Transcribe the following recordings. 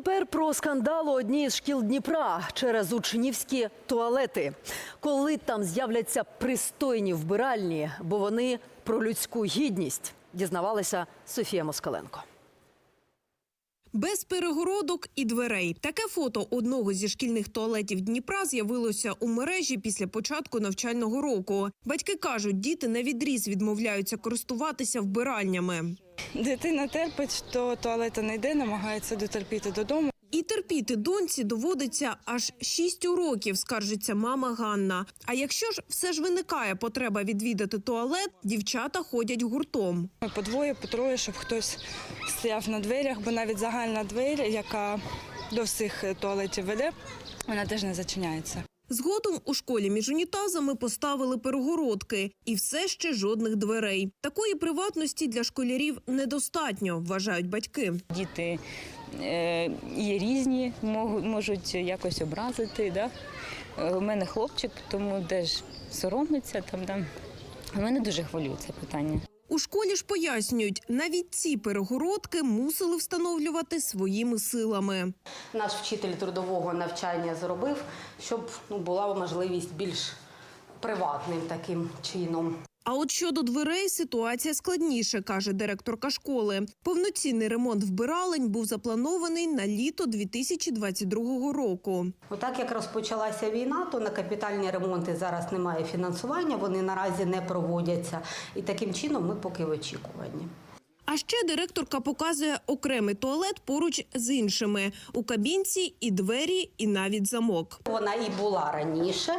тепер про скандал у одній з шкіл Дніпра через учнівські туалети. Коли там з'являться пристойні вбиральні, бо вони про людську гідність, дізнавалася Софія Москаленко. Без перегородок і дверей. Таке фото одного зі шкільних туалетів Дніпра з'явилося у мережі після початку навчального року. Батьки кажуть, діти навідріз відмовляються користуватися вбиральнями. Дитина терпить, то туалету не йде, намагається дотерпіти додому. І терпіти доньці доводиться аж 6 уроків, скаржиться мама Ганна. А якщо ж все ж виникає потреба відвідати туалет, дівчата ходять гуртом. Ми по двоє, по троє, щоб хтось стояв на дверях, бо навіть загальна двері, яка до всіх туалетів веде, вона теж не зачиняється. Згодом у школі між унітазами поставили перегородки. І все ще жодних дверей. Такої приватності для школярів недостатньо, вважають батьки. Діти є різні, можуть якось образити. Да? У мене хлопчик, тому теж соромиться. Мене дуже хвилює це питання. У школі ж пояснюють, навіть ці перегородки мусили встановлювати своїми силами. Наш вчитель трудового навчання зробив, щоб була можливість більш приватним таким чином. А от щодо дверей ситуація складніша, каже директорка школи. Повноцінний ремонт вбиралень був запланований на літо 2022 року. Отак як розпочалася війна, то на капітальні ремонти зараз немає фінансування, вони наразі не проводяться. І таким чином ми поки в очікуванні. А ще директорка показує окремий туалет поруч з іншими. У кабінці і двері, і навіть замок. Вона і була раніше.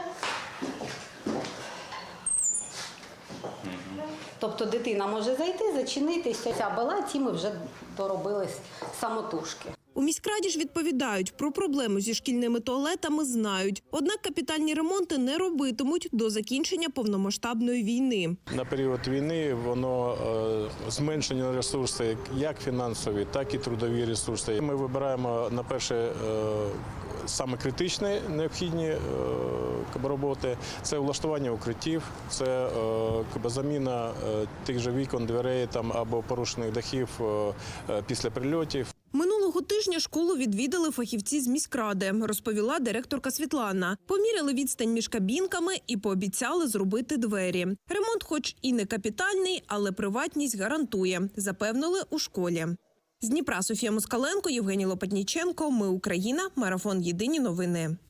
Тобто дитина може зайти, зачинитися. А балаці ми вже доробили самотужки. У міськраді ж відповідають, про проблему зі шкільними туалетами знають. Однак капітальні ремонти не робитимуть до закінчення повномасштабної війни. На період війни воно зменшені ресурси, як фінансові, так і трудові ресурси. Ми вибираємо на перше саме критичні необхідні роботи. Це влаштування укриттів, це заміна тих же вікон, дверей або порушених дахів після прильотів. Минулого тижня школу відвідали фахівці з міськради, розповіла директорка Світлана. Поміряли відстань між кабінками і пообіцяли зробити двері. Ремонт хоч і не капітальний, але приватність гарантує, запевнили у школі. З Дніпра Софія Москаленко, Євгеній Лопатніченко. Ми Україна. Марафон. Єдині новини.